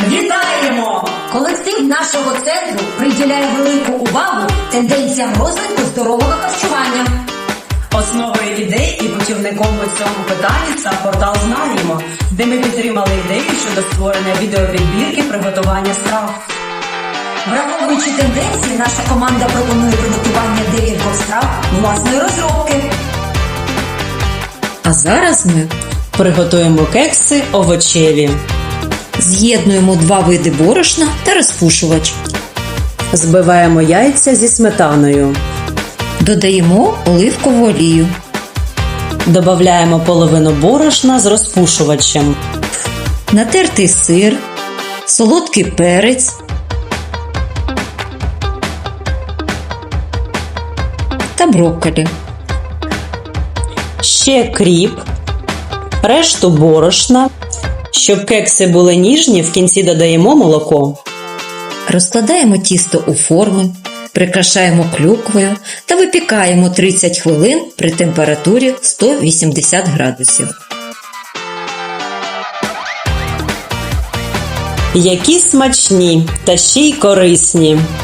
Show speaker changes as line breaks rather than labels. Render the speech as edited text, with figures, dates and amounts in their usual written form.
Вітаємо! Колектив нашого центру приділяє велику увагу тенденціям розвитку здорового харчування.
Основою ідей і путівником у цьому питанні став портал «Знаємо», де ми підтримали ідею щодо створення відеопідбірки приготування страв.
Враховуючи тенденції, наша команда пропонує приготування декількох страв власної розробки.
А зараз ми
Приготуємо кекси овочеві.
з'єднуємо 2 види борошна та розпушувач.
Збиваємо яйця зі сметаною.
Додаємо оливкову олію.
Додаємо половину борошна з розпушувачем.
Натертий сир, солодкий перець, та брокколі.
Ще кріп, решту борошна. Щоб кекси були ніжні, в кінці додаємо молоко.
Розкладаємо тісто у форми, прикрашаємо клюквою та випікаємо 30 хвилин при температурі 180 градусів.
Які смачні та ще й корисні!